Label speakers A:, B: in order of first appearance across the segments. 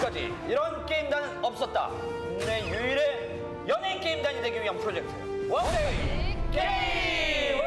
A: 지금까지 이런 게임단은 없었다. 국내 유일의 연예인 게임단이 되기 위한 프로젝트 원데이 게임.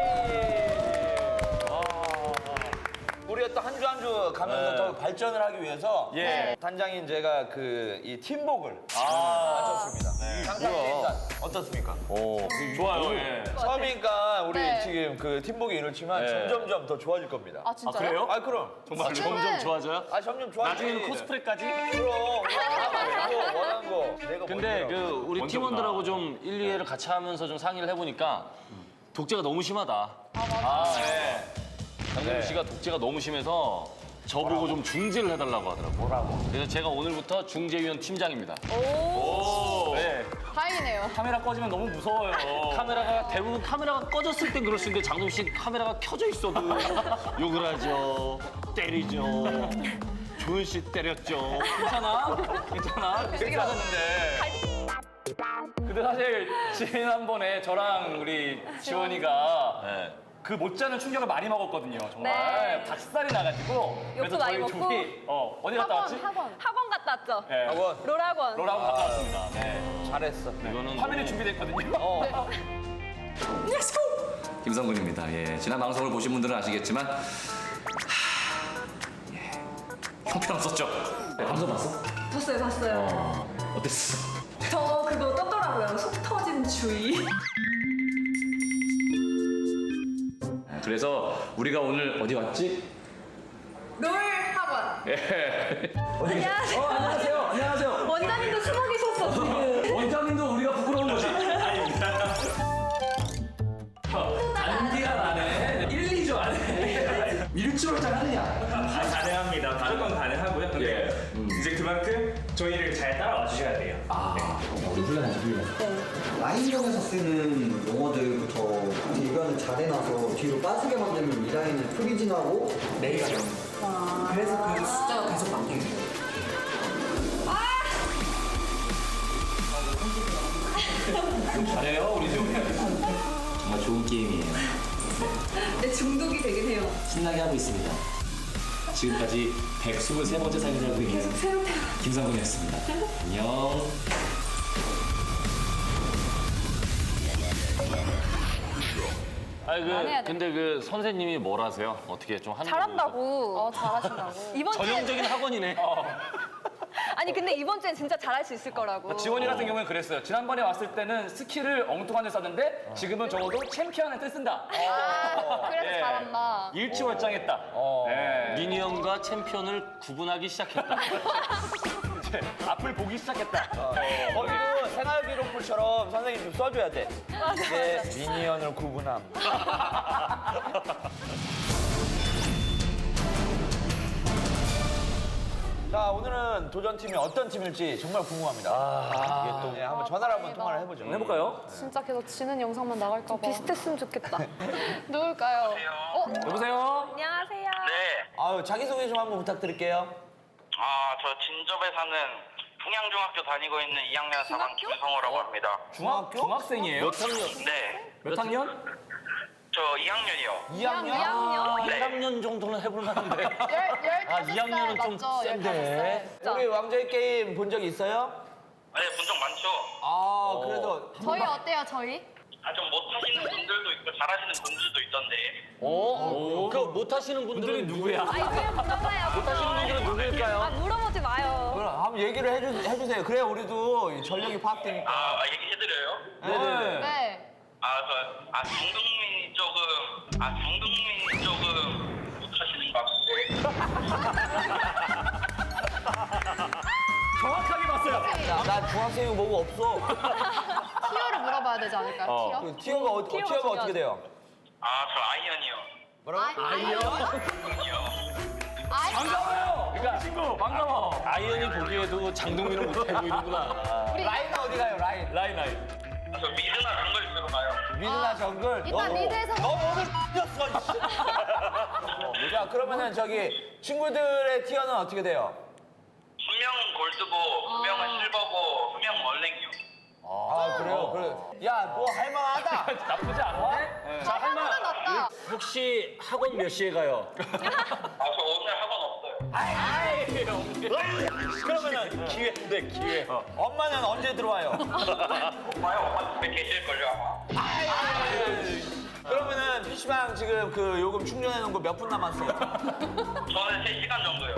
A: 우리가 또 한 주 한 주 가면서 더 발전을 하기 위해서 단장인 제가 이 팀복을 맞췄습니다. 상상 게임단 어떻습니까?
B: 좋아요. 예.
A: 처음이니까 우리
C: 네.
A: 지금 그 팀복이 이렇지만 점점점 더 좋아질 겁니다.
C: 아 진짜요?
B: 그래요?
A: 아 그럼.
B: 정말
C: 지금은-
B: 점점 좋아져요?
A: 아 점점 좋아지.
B: 나중에는 코스프레까지?
A: 그럼 원하는 거 내가
D: 근데
A: 먼저라고.
D: 우리
B: 먼저구나.
D: 팀원들하고 좀 1, 2회를 같이 하면서 좀 상의를 해보니까 독재가 너무 심하다.
B: 네.
D: 장동민 씨가 독재가 너무 심해서 저보고 좀 중재를 해달라고 하더라고요.
A: 뭐라고?
D: 그래서 제가 오늘부터 중재위원 팀장입니다.
B: 오.
D: 네.
C: 다행이네요.
B: 카메라 꺼지면 너무 무서워요.
D: 대부분 카메라가 꺼졌을 땐 그럴 수 있는데 장동민 씨 카메라가 켜져 있어도 욕을 하죠. 때리죠. 조은 씨 때렸죠.
B: 괜찮아? 괜찮아? 괜찮았는데. 근데 사실 지난번에 저랑 우리 지원이가
D: 네.
B: 그 못지않은 충격을 많이 먹었거든요. 정말
E: 네.
B: 박살이 나가지고.
E: 욕도 많이 먹고.
B: 둘이 어디 갔다 왔지?
E: 학원 갔다 왔죠?
B: 네.
A: 학원
E: 롤학원.
B: 롤하고 갔다 왔습니다. 네.
A: 잘했어.
D: 이거는
B: 화면이 준비됐거든요.
F: 김성근입니다. 예, 지난 방송을 보신 분들은 아시겠지만 형편없었죠. 네, 방송 봤어?
G: 봤어요.
F: 어땠어?
G: 저 그거 떴더라고요. 속 터진 주의.
F: 그래서 우리가 오늘 어디 왔지?
G: 롤 학원.
E: 안녕하세요.
F: 안녕하세요. 안녕하세요.
G: 원장님도 숨어 계셨어 지금.
F: 원장님도 우리가 부끄러운 거지. 단기간 안에 1, 2주 안에 일주일장 하느냐?
H: 가능합니다. 무조건 가능하고요. 근데 이제 그만큼 저희를 잘 따라와 주셔야 돼요.
F: 우리 훈련하자 훈련.
I: 라인형에서 쓰는 용어들부터 이거는 잘해놔서 뒤로 빠지게 만들면 이 라인을 프리진하고
F: 내가 그래서 그 숫자가 계속 바뀌는 거예요. 잘해요 우리 좀. 정말 좋은 게임이에요.
G: 네, 중독이 되긴 해요.
F: 신나게 하고 있습니다. 지금까지 123번째 사연을 하고 있는 김상근이었습니다. 안녕.
D: 아니
C: 해야 돼.
D: 근데 선생님이 뭘 하세요? 어떻게 좀 하는
E: 잘한다고.
C: 잘하신다고.
E: 이번 주에
D: 전형적인 학원이네.
E: 아니 근데 이번 주엔 진짜 잘할 수 있을 거라고.
B: 지원이 같은 경우는 그랬어요. 지난번에 왔을 때는 스킬을 엉뚱한 데 썼는데 지금은 적어도 챔피언을 뜻 쓴다.
C: 그래서
B: 예.
C: 잘한다.
B: 일치월장했다. 네.
D: 미니언과 챔피언을 구분하기 시작했다.
B: 이제 앞을 보기 시작했다.
A: 거기도 생활 기록부처럼 선생님 좀 써줘야 돼. 이게 미니언을 구분함. 자 오늘은 도전팀이 어떤 팀일지 정말 궁금합니다. 이게 또 한번 전화를 한번 통화를 해보죠.
B: 해볼까요?
C: 진짜 계속 지는 영상만 나갈까 봐.
E: 비슷했으면 좋겠다.
C: 누굴까요?
B: 여보세요?
E: 안녕하세요.
J: 네.
A: 아유 자기소개 좀 한번 부탁드릴게요.
J: 저 진접에 사는 풍양중학교 다니고 있는 2학년 4반 김성호라고 합니다.
B: 중학생이에요?
D: 몇 학년?
J: 네.
B: 몇 학년?
J: 저 2학년이요.
A: 2학년?
E: 2학년?
D: 1학년 정도는 해볼 만한데.
C: 15살
D: 2학년은 좀
C: 맞죠?
D: 센데.
C: 15살.
A: 우리 왕자의 게임 본 적 있어요?
J: 네, 본 적 많죠.
A: 아 그래서
C: 저희 어때요, 저희?
J: 좀 못하시는 분들도 있고 잘하시는 분들도 있던데.
D: 그 못하시는 분들은
B: 누구야?
E: 아니 그냥 물어봐요.
D: 못하시는 분들은 누구일까요?
E: 물어보지 마요.
A: 그럼 한번 얘기를 해주세요. 그래야 우리도 이 전력이 파악되니까.
J: 얘기해드려요?
A: 네네.
C: 네.
J: 정동민이 조금 못하시는 것 같은데.
B: 정확하게 봤어요.
A: 나 중학생이 뭐고 없어.
C: 티어를 물어봐야 되지 않을까요? 티어?
A: 그 티어가 어떻게 돼요?
J: 저 아이언이요.
A: 뭐라고?
B: 반가워요. 그러니까 친구 반가워.
D: 아이언이 보기에도 장동민은 못해 보이는구나.
A: 라인은 어디 가요? 라인.
B: 라인.
J: 저 미드나 정글 쪽으로 가요.
A: 미드나 정글.
C: 일단 미드에서
A: 너 오늘 뛰었어. 자 그러면은 저기 친구들의 티어는 어떻게 돼요?
J: 수명은 골드고, 수명은 실버고, 수명은 얼랭이요.
A: 아 그래요? 그래. 야뭐 할만하다.
B: 나쁘지 않은데?
C: 자, 할만한 없다.
D: 혹시 학원 몇 시에 가요?
J: 저 오늘 학원 없어요.
A: 그러면은
D: 기회인데 기회.
A: 엄마는 언제 들어와요?
J: 오빠요? 오빠 집에 계실걸요 아마?
A: 그러면은 PC방 지금 그 요금 충전해 놓은 거 몇 분 남았어요?
J: 저는 3시간 정도요.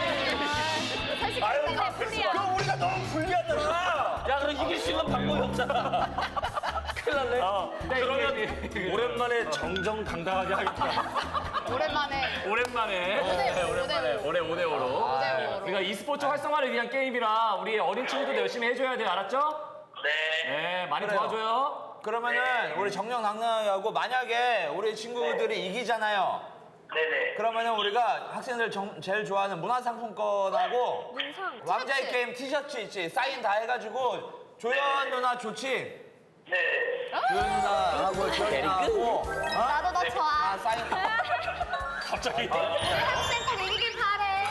E: 사실 때문에 풀이야.
A: 그럼 우리가 너무 불리하잖아.
D: 야, 그럼 이길 수 있는 방법이 없잖아. 큰일 났네. 그러면 오랜만에 정정당당하게 하겠다.
C: 오랜만에.
B: 오랜만에. 올해 5대5로. 우리가 e스포츠 활성화를 위한 게임이라 우리 어린 친구들도 열심히 해줘야 돼요. 알았죠?
J: 네.
B: 네, 많이
A: 그래요.
B: 도와줘요.
A: 그러면은 우리 정정당당하게 하고 만약에 우리 친구들이 이기잖아요.
J: 네네.
A: 그러면은 우리가 학생들 제일 좋아하는 문화상품권하고
E: 문상.
A: 왕자의 게임 티셔츠 있지 사인 다 해가지고 조연 누나 좋지?
J: 네.
A: 조연 누나하고 지연이 누나하고
C: 나도 너 좋아.
A: 아 사인
D: 갑자기.
C: 학생 꼭 이기길 바래.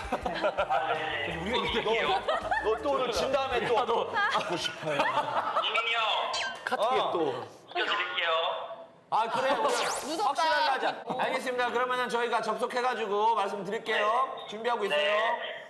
A: 너 또 오늘 진 다음에 또
J: 이민이 형.
D: 카트에 또.
J: 시켜드릴게요.
A: 아 그래 우리 확실하게 하자 알겠습니다 그러면은 저희가 접속해가지고 말씀드릴게요 준비하고 있어요